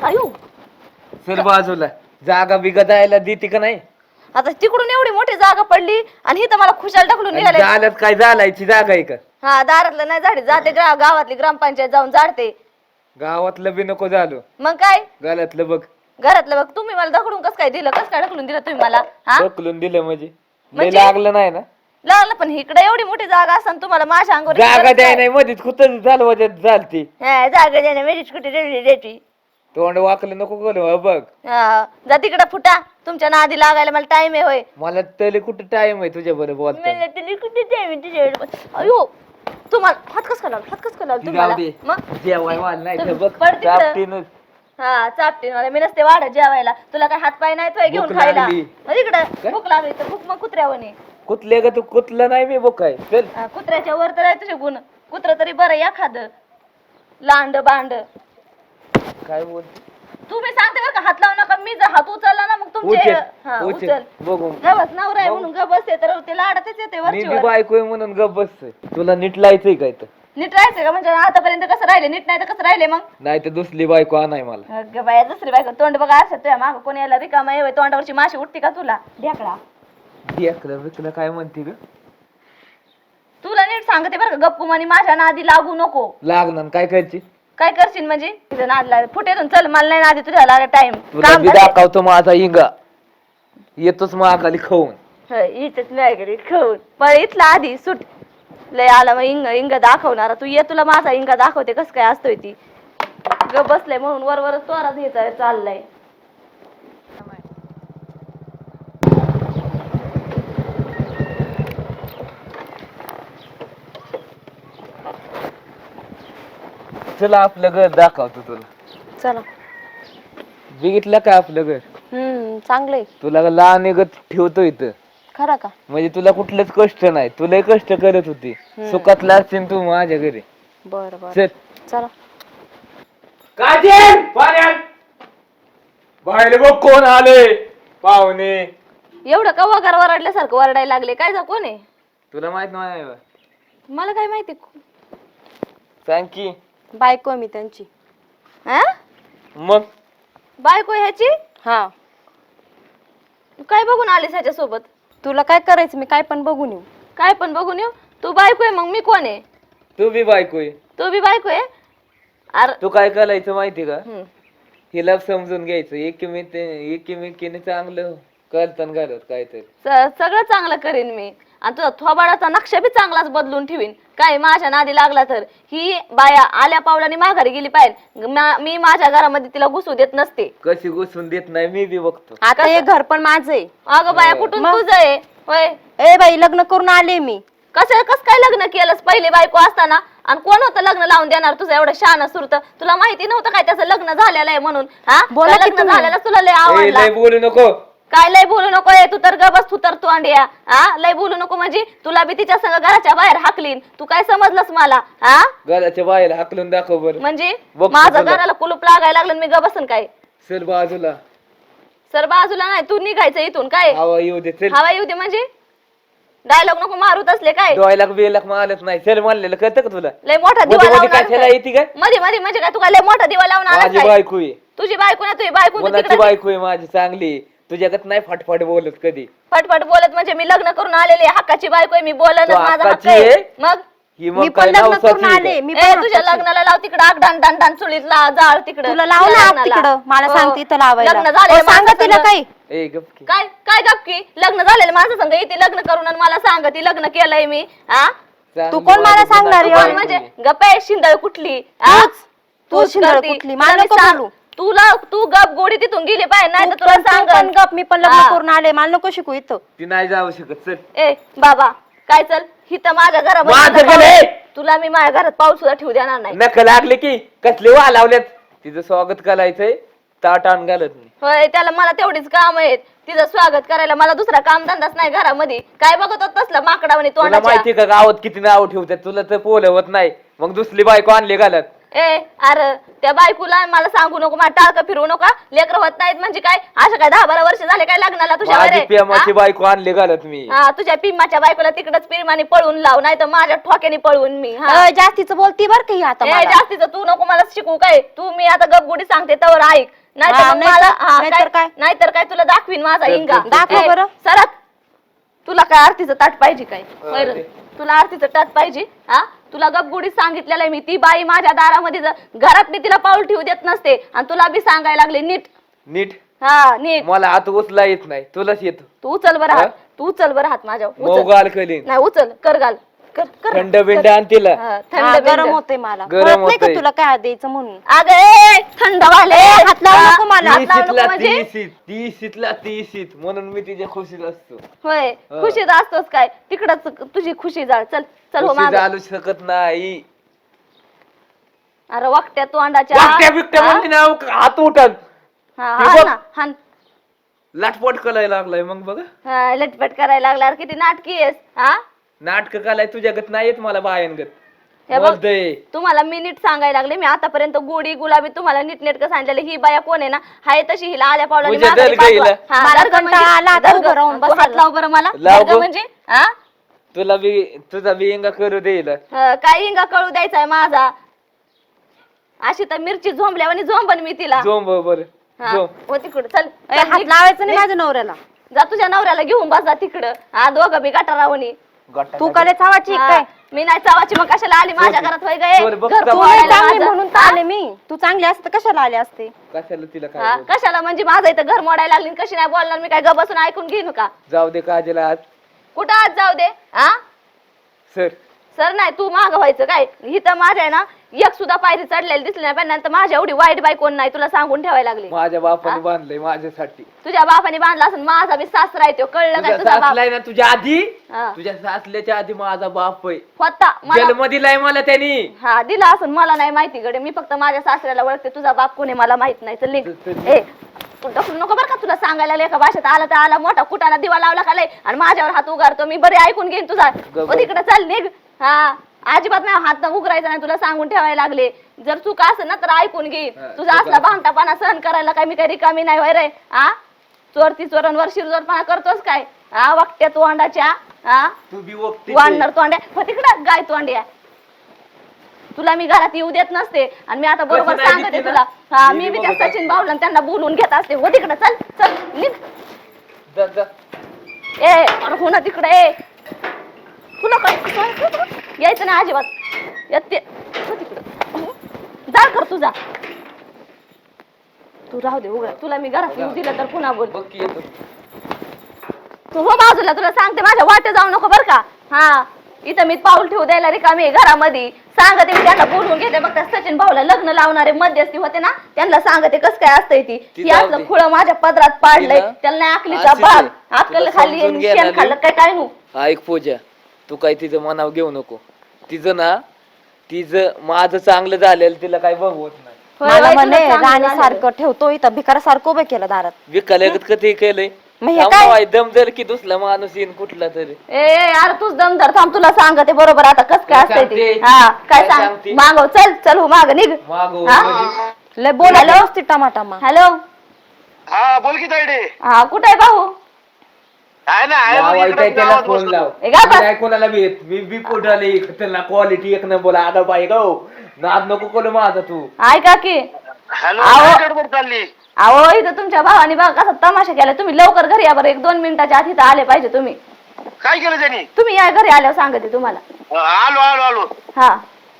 अयो सर बाजूला जागा बिगा जायला देते का नाही? आता तिकडून एवढी मोठी जागा पडली आणि इथं मला खुशाल टाकलून निघाले. झाल्यात काय झालायची जागा आहे का? हा दारातलं नाही झाडे जाते गावातली ग्रामपंचायत जाऊन झाडते. गावातलं बी नको झालो, मग काय गाल्यातलं बघ. घरातलं बघ. तुम्ही मला ढकलून कस काय दिलं? कस काय ढकलून दिलं तुम्ही मला? हा ढकलून दिलं म्हणजे लय म्हणजे? लागलं नाही ना? लागलं पण इकडे एवढी मोठी जागा असताना तुम्हाला माझ्या अंगावर जागा द्याय नाही मध्येच कुठं झालं वजात झालती. जागा द्यायला वेळीच कुठे द्यायची. तोंड वाकलं नको करू हो बघ. जा तिकडे फुटा. तुमच्या नादी लागायला मला टाइम आहे होय. मला तरी कुठं टाइम आहे तुझ्या बरोबर बोलता. मला तरी कुठे टाइम आहे तुझ्या? अयो तुम्हाला हात कस लावला? हात कस लावला तुम्हाला? मग जेवाय वाल नाही तर बघ पड तिकडं. चापटीनच. हा चापटीन मला मी नसते वाढत जेवायला. तुला काय हात पाय नाही तो घेऊन भूक खायला? लागली. तिकडे भूक लागली तर भूक मग कुत्र्यावणी. कुठले ग तू? कुठलं नाही मी बोकाय चल. कुत्र्याच्या वर तर आहे तुझे गुण. कुत्र तरी बरं एखादं लांड बांड. काय बोलते? तुम्ही सांगते बरं का हात लावू नका. मी जर हात उचलला ना मग तुमचे उचल उचल. उचल बघू. गबस नवरा आहे म्हणून गप बसते तर ते लाडतच येते मी वरची वर. बायको आहे म्हणून गप बसतोय. तुला नीट लायचंय काय तर? नीट राहायचं का? म्हणजे आतापर्यंत कसं राहिले? नीट नाही तर कसं राहिले मग? नाही तर दुसरी बायको आणाय मला. अगं बाया दुसरी बायको तोंड बघा असं तुझ्या मागं कोणी यायला रिकामा येऊ तोंडावरची माशी उठते का तुला? ढेकळा ढेकलं बिकलं काय म्हणते ग? तुला नीट सांगते बरं का गप्पू म्हणे माझ्या नादी लागू नको. लागणार काय करायची? काय करशील म्हणजे? तुझं नाद लागेल फुटेतून चल. मला नाही नादी तुझ्या लागेल टाइम. तुला बी दाखवतो माझा इंगा. येतोच महागाली खाऊन. इथंच नाही घरी खाऊन पण इथला आधी सुट लय आला मग इंग दाखवणारा. तू ये तुला माझा इंगा दाखवते कस काय असतोय ती. ग बसलंय म्हणून वर तोरा घ्यायचा चाललाय. चला आपलं घर दाखवतो तुला. चला. बघितलं का आपलं घर? चांगलंय. तुला लहान गत ठेवतो इथं. खरा का? म्हणजे तुला कुठलंच कष्ट नाही. तुला कष्ट करत होती. सुखातला असतील तू माझ्या घरी. बर बर चल. चला. काजल पाण्यात बाहेर बघ कोण आले पाहुणे. एवढं का वगार वरडल्यासारखं वरडायला लागले? काय जा कोण आहे? तुला माहित नाही बा? मला काय माहिती. सांग की. बायको मी त्यांची. हा मग बायको ह्याची? हा. काय बघून आलीस ह्याच्या सोबत? तुला काय करायचं? मी काय पण बघून येऊ. काय पण बघून येऊ? तू बायको आहे मग मी कोण आहे? तू बी बायको आहे. तू बी बायको आहे? अरे तू काय करायचं माहिती का? हम्म. हिला समजून घ्यायचं. एकीमेकीने चांगलं करताना घालत काहीतरी. सगळं चांगलं करीन मी. आणि तुझा थोबाडाचा नक्षा बी चांगलाच बदलून ठेवीन. काय माझ्या नादी लागला तर ही बाया आल्या पावलाने माघारी गेली पाहिजे. मी माझ्या घरामध्ये तिला घुसू देत नसते. कशी घुसून देत नाही मी बी बघतो. आता हे घर पण माझं आहे. अगं बाया कुठून तुझं आहे होय? ए बाई लग्न करून आले मी. कस काय लग्न केलंस पहिले बायको असताना? आणि कोण होतं लग्न लावून देणार तुझं एवढं शान सुरत? तुला माहिती नव्हतं काय त्याचं लग्न झालेलं आहे म्हणून? हा बोला की लग्न तुम्ही. झालेलं तुला लय ए, आवडलं? लय बोलू नको. काय लय बोलू नको? तू तर गबस तू तर तोंडिया. हा लय बोलू नको म्हणजे तुला बी तिच्या संग घराच्या बाहेर हाकलीन. तू काय समजलंस मला? हा घराच्या बाहेर हाकलून दाखव बरं. म्हणजे बघ माझं तुला. घराला कुलूप लागायला लागलं मी गबसन काय? चल बाजूला. सर बाजूला नाही तू निघायचं इथून. काय हवा येऊ दे. चल. हवा येऊ दे म्हणजे? डायलॉग नको मारूत असले काय? डोळ्याला बेलाक मारत नाही. चल म्हणलेलं कळतं का तुला? लय मोठा दिवा मध्ये लावून काय आलास त्याला काय? येते काय? मध्ये मध्ये म्हणजे काय? तू काय लय मोठा दिवा लावून आलास माझी काय? बायको आहे. तुझी बायको ना तुझी बायको तू कोणाची तिकडे बायको आहे माझी चांगली. तुझ्याकडे नाही फटफट बोलत कधी. फटफट बोलत म्हणजे मी लग्न करून आलेले हक्काची बायको आहे. मी बोलणं तू माझा हक्क हक्काची आहे. आहे? मग ही मी मग पण काय लग्न नवसाची करून आहे आले. का? मी ए, पण तुझ्या लग्नाला लाव तिकडं आग डान चुलीत जाळ तिकडं. तुला लाव ना आग तिकडं. मला सांगते इथं लावायला. लग्न झालेलं हो, सांगा माणसाचं तिला लग्न- काही. ए गप की. काय काय गप्पी? लग्न झालेलं माझं संग इथे लग्न करून आणि मला सांग ती लग्न केलंय मी. हा चांगली तू कोण मला बायको सांगणार नाही, आहे? कोण बायको म्हणजे आहे. गप्प आहे शिंदळ कुठली? हा? तू तूच शिंदळ करती. कुठली? तुला मला मी नको सांग- बोलू. तू गप गोडी तिथून गेली पाहिजे नाही तर तू तुला पण सांग गप. मी पण लग्न हा. करून आले. मला नको शिकू इथं. ती नाही जाऊ शकत. चल. ए बाबा काय चल हिथं माझ्या माझं घरामध्ये घर आहे. तुला मी माझ्या घरात पाऊल सुद्धा ठेवू देणार नाही. नख लागले की कसले वा लावल्यात. तिचं स्वागत करायचंय. ताट आण घालत नाही. होय त्याला मला तेवढीच काम आहेत. तिचं स्वागत करायला मला दुसरा काम धंदाच नाही घरामध्ये. काय बघत होत तसलं माकडावणी तुला तोंडाच्या? माहिती का गावात किती नाव ठेवतात? तुला तर पोलवत नाही. मग दुसरी बायको आणली घालत. ए अरे त्या बायकोला मला सांगू नको, मला टाळकं फिरवू नका. लेकर होत नाहीत म्हणजे काय? असं काय 10-12 वर्ष झाले काय लग्नाला तुझ्या माझी वरे? प्रेमाची बायको आणली घालत मी. हा तुझ्या पिम्माच्या बायकोला तिकडच पिरमाने पळून लाव, नाही तर माझ्या ठोक्याने पळवून मी. जास्तीचं बोलती बर का ही आता ए मला. जास्तीचं तू नको मला शिकू काय. तू मी आता गपगुडी सांगते तवर ऐक, नाहीतर हा, मग नाहीतर- मला हा, नाहीतर काय? नाहीतर काय तुला दाखवीन माझा तर- इंगा. तर- दाखव ए, बरं. सरक. तुला काय आरतीचं ताट पाहिजे काय? होय रे. ते- तुला आरतीचं ताट पाहिजे? हा तुला गपगुडी सांगितलेलं आहे मी. ती बाई माझ्या दारामध्ये घरात मी तिला पाऊल ठेवू देत नसते आणि तुला बी सांगायला लागले नीट. नीट हा नीट. मला हात उचला येत नाही, तुलाच येतो. तू उचल बरं हा? हात, तू उचल बरं हात माझ्या. उचल. मोगाल कलीन नाही उचल, कर घाल, कर कर. थंड बिंड आण तिला. हा, हा, थंड गरम बिंद. होते मला. गरम कळत नाही का होतंय. तुला काय द्यायचं म्हणून? अगं ए, थंड वाले हात लावू नको मला. हात लावू नको तीसीतला म्हणजे? तीसीतला तीसीत म्हणून मी तिच्या खुशीत असतो. होय हा. खुशीत असतोस काय? तिकडच तुझी खुशी जाळ. चल चल हो खुशी मागं. चालू शकत नाही. अरे वाकट्या तोंडाच्या. वाकट्या बिकट्या हा? म्हणते ना, हात उठन हा, हे हाण बघ. ना, हाण. लाटपट करायला लागलाय. मग बघा हा, लटपट करायला लागला. अरे किती नाटकी आहेस. हा नाटक कालाय तुझ्यागत नाही येत मला बायांगत. हे बघ, बोलतय तुम्हाला मी नीट सांगायला लागले. मी आतापर्यंत गोडी गुलाबी तुम्हाला नीट नेटकं सांगितलेलं. ही बाया कोण आहे ना, हाय तशी हिला आल्या पावलाने म्हणजे माघारी दर्गा हिला. पाठवा. हा, मला दर्गा कंटाळा म्हणजे- आला आता दर्गा. उभं राहून तू हात बसायला. लाव बरं मला. लाव दर्गा गं. म्हणजे हा तुला बी तुझा बियंगा करू देईल. काय इंगा कळू द्यायचा आहे माझा. अशी तर मिरची झोंबल्यावानी झोंबन मी तिला. झोंब बर हा, झोंब. हो तिकडं चल. ए, हात लावायचं नाही माझ्या नवऱ्याला. जा तुझ्या नवऱ्याला घेऊन बसा तिकडं. हा दोघं बी गटारावणी. तू काय चावाची हा, काय? मी नाही चावाची, मग कशाला आली माझ्या घरात? होय गं, बरं, बघ घर तर तू बाळाला नाही फोडायला चांगली माझं. म्हणून तर आले मी. तू चांगली असते तर कशाला आले असते? कशाला तिला हा, काय कशाला म्हणजे माझं इथं घर मोडायला लागली आणि कशी नाही बोलणार मी? काय ग बसून ऐकून घेईन का? जाऊ दे काजला आज. कुठं आज जाऊ दे? हा सर सर नाही, तू माग व्हायचं काय? इथं माझ्या आहे ना एक सुद्धा पायरी चढलेली दिसली नाही पण नंतर माझ्या एवढी वाईट बाई कोण नाही, तुला सांगून ठेवायला लागले. माझ्या बापाने बांधलंय माझ्यासाठी. तुझ्या बापाने बांधला असं माझा बी सासरा आहे तो, कळलं काय? तुझा तुझा बाप सासलाय ना तुझ्या आधी, हा. तुझ्या सासल्याच्या आधी माझा बाप आहे. होता मला. जन्म दिलाय मला त्यांनी. हा दिला असं मला नाही माहिती गडे. मी फक्त माझ्या सासऱ्याला ओळखते, तुझा बाप कोणी मला माहित नाही. चल निघ. चल. ए तू ढकलू नको बरं का. तुला सांगायला लागले एका भाषेत आला तर आला, मोठा कुटाला दिवा लावला का लय आणि माझ्यावर हात उगारतो. मी बरे ऐकून घेईन तुझा. गप्प. ओ तिकडे चल निघ. हा अजिबात नाही हात उघडायचा नाही, तुला सांगून ठेवायला लागले. जर चूक असेल ना तर ऐकून घेईन. हा, तुझा चूक असला भामटापणा सहन करायला काय मी काही रिकामी नाही होय रे. हा चोरती चोरांवर शिरजोरपणा करतोस काय? हा वाकट्या तोंडाच्या. हा तू बी वक्ती वाढणार तोंड्या. हो तिकडं गाय तोंड्या. तुला मी घरात येऊ देत नसते आणि मी आता बरोबर कसं नाही सांगते दिसते तुला. ना? हा मी मी बी बी त्या बघत असते. सचिन भाऊला आणि त्यांना बोलून घेत असते. हो तिकडं चल चल निघ. ए अरे हो ना तिकडे. ए तुला काय यायचं नाही अजिबात. येते हो तिकडं. जा कर तुझा. तू राहू दे उघड. तुला मी घरात येऊ दिलं तर पुन्हा बोल. बघ की येतो. तू हो बाजूला. तुला सांगते माझ्या वाटे जाऊ नको बर का. हा इथं मी पाऊल ठेवू द्यायला रिकामी घरामध्ये. सांगते मी त्यांना बोलवून घेते. बघ त्या सचिन भाऊला लग्न लावणारे मध्यस्थी होते ना, त्यांना सांगते कसं काय असतंय ती. ती ही जाऊ असलं दे. खुळं माझ्या पदरात पाडलंय. तिला त्याला नाही आकलीचा अशीच भाग. आहे. अक्कल तुला खाल्ली समजून आणि घ्यायला शेण खाल्लं काय काय नू. ऐक पूजा, तू काय तिचं मनाव घेऊ नको. तिचं ना तिचं माझं चांगलं झालेलं तिला काय बघवत नाही. होय, मला होय, म्हणे तुला चांगलं राणीसारखं ठेवतो इथं, भिकारासारखं उभं केलं दारात. विकायला कधी केलंय. मग हे काय? दम जर की दुसरा माणूस येईन कुठला तरी. ए यार तूच दमदार थांब. तुला सांगते बरोबर आता कसं काय काय असतंय ते. सांगते? हा काय काय सांग सांगते? मागव. चल चल हो माग निघ. मागो हा? म्हणजे लय बोलायला व्यवस्थित टमाटामा. हॅलो हा बोल की तायडे. हा कुठे आहे भाऊ? आहे ना आहे बघ लावायचंय इकडं त्याला गावात फोन बसलो. लाव. ए, गा बस. काय कोणाला बी येत. मी पोटाले त्याला क्वालिटी एक न बोला. आता बाई गो नाद नको कोण माझा तू. ऐका की हॅलो आहो. काय गडबड चालली? अहो इथं तुमच्या भावाने बघा कसा तमाशा केला. तुम्ही लवकर घरी या बरं. 1-2 मिनिटाच्या आत इथं आले पाहिजे तुम्ही. काय केलं त्यांनी? तुम्ही या घरी आल्यावर सांगते तुम्हाला. आलो आलो आलो. हा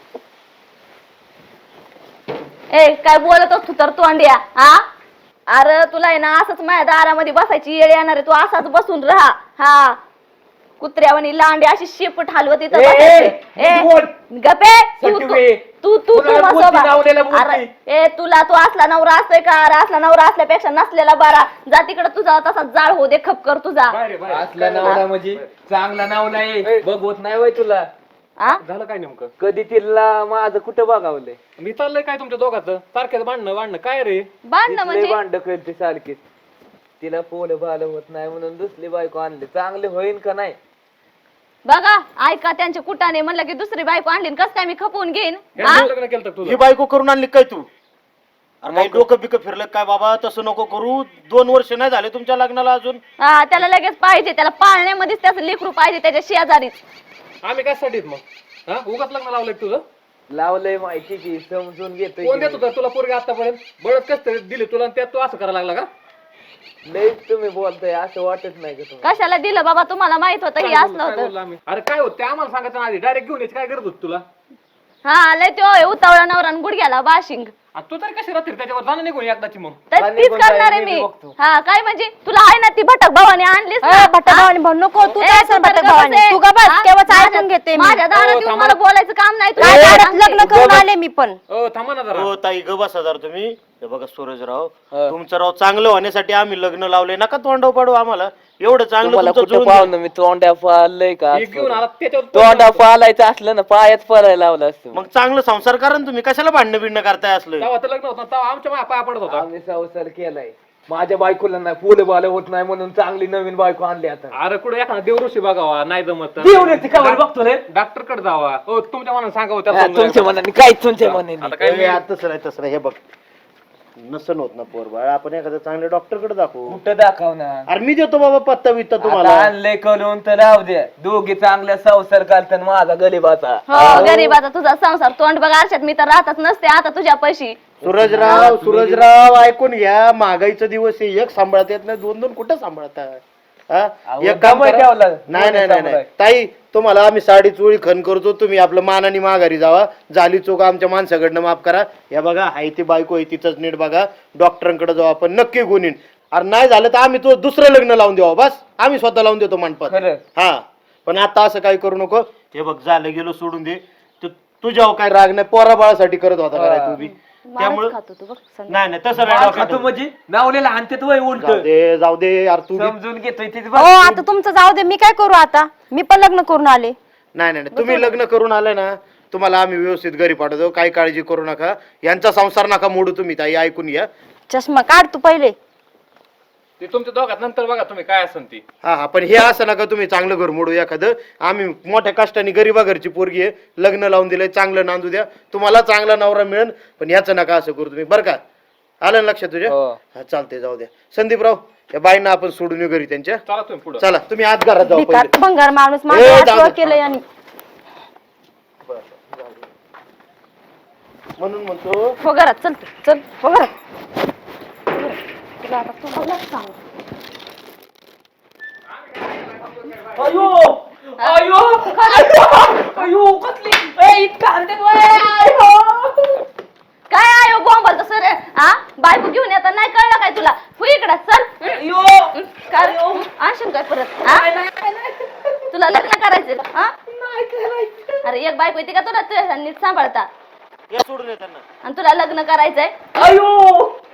ए काय बोलत असतो तर तोंड्या. हा अरे तुला आहे ना असंच माझ्या दारामध्ये बसायची येळ येणार आहे. तू असाच बसून राहा. हा कुत्र्यावानी लांडी अशी शेपूट हलवत इथं ए, बसायची. ए बोल. गपे तू सटवे. तू तू तू कुणाला बसव बोलती, नावलेला बा. बोलती. अरे ए तुला तू असला नवरा असतोय का? अरे असला नवरा असल्यापेक्षा नसलेला बरा. जा तिकडे तुझा तसा जाळ हो दे खप कर तुझा. असला नावला म्हणजे चांगला नावला आहे. बघवत नाही वय तुला. हा झालं काय नेमकं? कधी तिला माझं कुठं बघावलंय. मी चाललंय काय तुमच्या दोघांचं सारख्याच भांडणं काय रे? बांधणं म्हणजे भांड करते सारखीच. तिला पोल बाल होत नाही म्हणून दुसरी बायको आणली. चांगले होईन का नाही? बघा ऐका त्यांच्या कुटाने म्हणलं की दुसरी बायको आणली कस काय मी खपवून घेईन हा? ह्याने लग्न केलं तुझं ही बायको करून आणली काय तू अरे काही डोकं बिकं फिरलं काय बाबा तसं नको करू 2 वर्ष नाही झाले तुमच्या लग्नाला अजून हा, त्याला लगेच पाहिजे त्याला पाळण्यामध्येच त्याचं लेकरू पाहिजे त्याच्या शेजारीच आम्ही कशासाठी मग हा उगाच लग्न लावलंय का तुझं लावलंय माहिती की समजून घेतोय कोण की देत होता तुला पोरगी आतापर्यंत बळत कस तरी दिली तुला आणि त्यात तू असं करायला लागला का लय तुम्ही बोलताय असं वाटत नाही का तुम्हाला कशाला दिलं बाबा तुम्हाला माहित होतं की काय असलं बोललो होतं आम्ही? अरे काय होत ते आम्हाला सांगायचं ना आधी डायरेक्ट घेऊन यायची काय गरज होती तुला हा लय तो उतावळा नवरा आणि गुडघ्याला बाशिंग आणि तू तरी कशी राहतील त्याच्यावर जाणं निघून एकदाची मग तर आणि तीच पण करणार आहे काय मी मी बघतो. हा काय म्हणजे तुला आहे ना ती भटक भावाने आणलीस ना? भटक भावानी भाऊ नको तू ए, काय तू तर भटक गप्प भावानी बस. तू का बस हा? केव्हाच माझ्या- ऐकून घेते मी माझ्या दारात हो, येऊन थांबा. मला बोलायचं काम नाही काय तुला दारात सांगते. लग्न करून आले मी पण थांबा ना जरा हो ताई ग बसा जरा तुम्ही हे बघा सूरजराव हा. तुमचं राव चांगलं होण्यासाठी आम्ही लग्न लावले नका तोंडाव पाडू आम्हाला एवढं चांगलं तुम्हाला तुमचं कुठं जुळून गेलं. पाहुणं मी तोंडा पाळलंय का एक घेऊन आला त्याच्यावर तोंडा पालायचं असलं ना पायात पळायला लावलं असतं मग चांगलं संसार करा ना तुम्ही कशाला भांडणं बिंडणं करताय असलं तेव्हा तर लग्न होतं तेव्हा आमच्या पाया पडत होता आम्ही संसार केलाय माझ्या बायकोला नाही फुलं बालं होत नाही म्हणून चांगली नवीन बायको आणली आता अरे कुठे एखादा देवऋषी बघावा नाही जमत तर. देवण्याची खबर बघतो रे डॉक्टर कडे जावा हो तुमच्या मनाने सांगावं त्याला हा, समजून तुमच्या घ्या. मनाने काय तुमच्या आता मनाने काय ए, यार, तसं नाही हे बघ नसन होत ना पोर बाळ आपण एखाद्या चांगल्या डॉक्टर कडे दाखवू कुठं दाखवणार अरे मी देतो बाबा पत्ता बित्ता आता तुम्हाला आणले करून तर राहू द्या दोघी चांगल्या संसार करतात माझा गरीबाचा हो गरीबाचा तुझा संसार तोंड बघा आरशात मी तर राहतच नसते आता तुझ्या पैशी सूरजराव ऐकून घ्या महागाईचा दिवस आहे एक सांभाळता येत नाही 2 कुठं सांभाळता हा? अहो, एक काम दबाई करा. ठेवला. नाही नाही नाही नाही. दबाई. ताई तुम्हाला आम्ही साडी चोळी खण करतो तुम्ही आपलं मानाने माघारी जावा झाली चूक आमच्या माणसाकडनं माफ करा या बघा हाय ती बायको आहे तिचंच नीट बघा डॉक्टरांकडे जाऊ आपण नक्की गुणीन अरे नाही झालं तर आम्ही तो दुसरं लग्न लावून देऊ बस आम्ही स्वतः लावून देतो मंडपात खरं हा पण आता असं काही करू नको हे बघ झालं गेलो सोडून दे तुझ्यावर काय राग नाही पोरा बाळासाठी करत होता काय तू बी त्यामुळे खातो तू बघ संध्या. नाही नाही तसं नाही डोक्यात खातो ठेवू. म्हणजे नावलेला आणतात वय उलट जाऊ दे यार तू बी- समजून घेतोय तिथे हो आता तुमचं जाऊ दे मी काय करू आता मी पण लग्न करून आले नाही नाही नाही. तुम्ही लग्न करून आले ना तुम्हाला आम्ही व्यवस्थित घरी पाठवतो काही काळजी करू नका यांचा संसार नका मोडू तुम्ही ताई ऐकून घ्या चष्मा काढ तू पहिले ते तुमच्या दोघात नंतर बघा तुम्ही काय असन ती हा हा पण हे असं नका तुम्ही चांगलं घर मोडू एखादं आम्ही मोठ्या कष्टाने गरीबा घरची पोरगी आहे लग्न लावून दिलंय चांगलं नांदू द्या तुम्हाला चांगला नवरा मिळेल पण याचं नका असं करू तुम्ही बरं का आलं ना लक्षात तुझ्या हो. हा चालते जाऊ द्या संदीपराव या बाईंना आपण सोडून येऊ घरी त्यांच्या चला तुम्ही पुढे चला तुम्ही आत घरात जाऊ भिकार पहिले. भंगार माणूस ए, माझ्या जाऊ हातवर दे. केलंय आणि म्हणून म्हणतो हो घरात चल तू, चल हो घरात तुला आता तुम्हालाच सांग अयो अयो अयो कसली ए, इतकं आणतात वय. अयो. काय आहे बॉम्बल सर हा बायको घेऊन येतात नाही कळलं काय तुला तू इकडं चल अयो. काय आणशील काय परत हा? तुला लग्न करायचं का हा? अरे एक बायको येते का तुला तुझ्या नीट सांभाळता या सोडून येताना आणि तुला लग्न करायचंय अयो